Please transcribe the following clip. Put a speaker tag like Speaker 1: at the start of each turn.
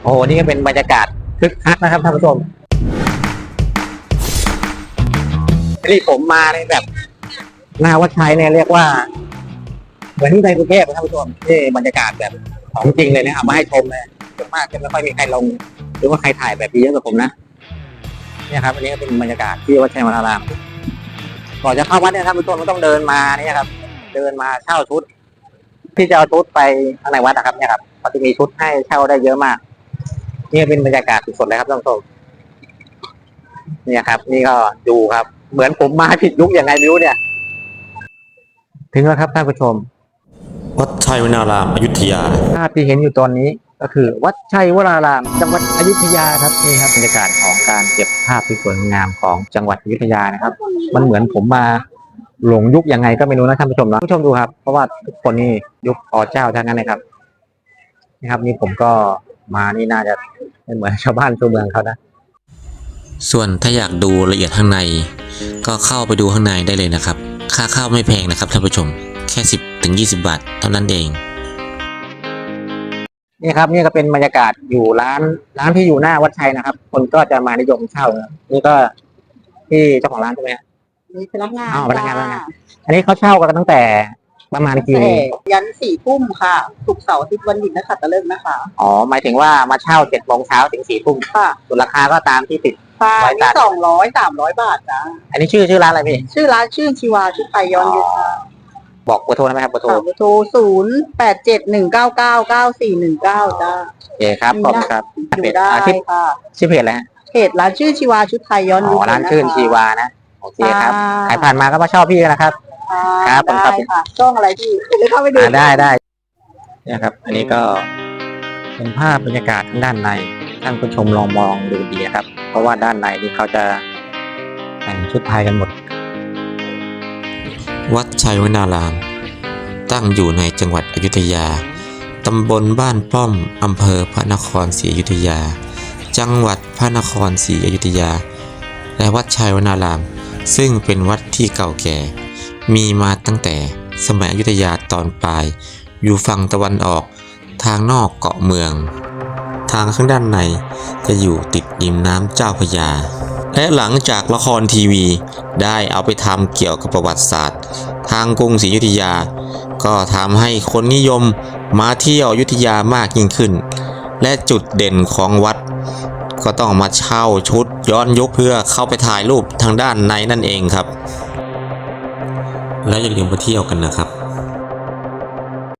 Speaker 1: โอ้โหนี่ก็เป็นบรรยากาศคึกคักนะครับท่านผู้ชมที่ผมมาในแบบหน้าวัดชัยเนี่ยเรียกว่าเหมือนที่ในกรุงเทพท่านผู้ชมที่บรรยากาศแบบของจริงเลยนะเอามาให้ชมเลยส่วนมากจะไม่ค่อยมีใครลงหรือว่าใครถ่ายแบบนี้เยอะกว่าผมนะเนี่ยครับอันนี้ก็เป็นบรรยากาศที่วัดชัยวรารามก่อนจะเข้าวัดเนี่ยท่านผู้ชมต้องเดินมาเนี่ยครับเดินมาเช่าชุดที่จะเอาชุดไปข้างในวัดนะครับเนี่ยครับเขาจะมีชุดให้เช่าได้เยอะมากนี่เป็นบรรยากาศสดๆเลยครับท่านผู้ชมเนี่ยครับนี่ก็ดูครับเหมือนผมมาผิดยุคยังไงไม่รู้เนี่ยถึงแล้วครับท่านผู้ชม
Speaker 2: วัดชัยวนารามอยุธยา
Speaker 1: ภาพที่เห็นอยู่ตอนนี้ก็คือวัดชัยวรารามจังหวัดอยุธยาครับนี่ครับบรรยากาศของการเก็บภาพที่สวยงามของจังหวัดอยุธยานะครับมันเหมือนผมมาหลงยุคยังไงก็ไม่รู้นะท่านผู้ชมนะผู้ชมดูครับเพราะว่าทุกคนนี่ยุคอเจ้าทั้งนั้นเลยครับนี่ครับนี่ผมก็มานี่น่าจะไม่เหมือนชาวบ้านชาวเมืองเขานะ
Speaker 2: ส่วนถ้าอยากดูละเอียดข้างในก็เข้าไปดูข้างในได้เลยนะครับค่าเข้าไม่แพงนะครับท่านผู้ชมแค่10 ถึง 20 บาทเท่านั้นเอง
Speaker 1: นี่ครับนี่ก็เป็นบรรยากาศอยู่ร้านที่อยู่หน้าวัดชัยนะครับคนก็จะมานิยมเช่านะนี่ก็ที่เจ้าของร้านใช่ไหม
Speaker 3: มีพนักงาน
Speaker 1: พนักงานอันนี้เขาเช่ากันตั้งแต่ประมาณกี่โมง
Speaker 3: ยัน4 ทุ่มค่ะศุกร์เสาร์อาทิตย์วันหยุดนักขัตฤกษ์นะคะ
Speaker 1: อ๋อหมายถึงว่ามาเช่า7 โมงเช้าถึง4 ทุ่ม
Speaker 3: ค่ะ
Speaker 1: ส่วนราคาก็ตามที่ติด
Speaker 3: ไว้ตัด200-300 บาทจ้า
Speaker 1: อันนี้ชื่อร้านอะไรพี่
Speaker 3: ชื่อร้านชื่อชีวาชุดไทยย้อนยุคค่ะ
Speaker 1: บอกเบอร์โทรได้ไหมครับเบอร์โทร
Speaker 3: 0871999419จ้า
Speaker 1: โอเคครับขอบคุณครับ
Speaker 3: อยู่ได้ค่ะ
Speaker 1: ชื่อเพจอะไรฮะ
Speaker 3: เพจร้านชื่อชีวาชุดไทยย้อนยุค
Speaker 1: ร้านชื่อชีวานะโอเคครับใครผ่านมาก็มาชอบพี่นะครับ
Speaker 3: ครับผมครับช่องอะไรพี่เลยเข้าไปดู
Speaker 1: ได้เนี่ยครับอันนี้ก็เป็นภาพบรรยากาศทางด้านในท่านผู้ชมลองมองดูดีครับเพราะว่าด้านในนี่เขาจะแต่งชุดไทยกันหมด
Speaker 2: วัดชัยวนารามตั้งอยู่ในจังหวัดอยุธยาตำบลบ้านป้อมอำเภอพระนครศรีอยุธยาจังหวัดพระนครศรีอยุธยาและวัดชัยวนารามซึ่งเป็นวัดที่เก่าแก่มีมาตั้งแต่สมัยอยุธยาตอนปลายอยู่ฝั่งตะวันออกทางนอกเกาะเมืองทางข้างด้านในจะอยู่ติดริมน้ำเจ้าพระยาและหลังจากละครทีวีได้เอาไปทำเกี่ยวกับประวัติศาสตร์ทางกรุงศรีอยุธยาก็ทำให้คนนิยมมาเที่ยวอยุธยามากยิ่งขึ้นและจุดเด่นของวัดก็ต้องมาเช่าชุดย้อนยุคเพื่อเข้าไปถ่ายรูปทางด้านในนั่นเองครับและอย่าลืมไปเที่ยวกันนะครับ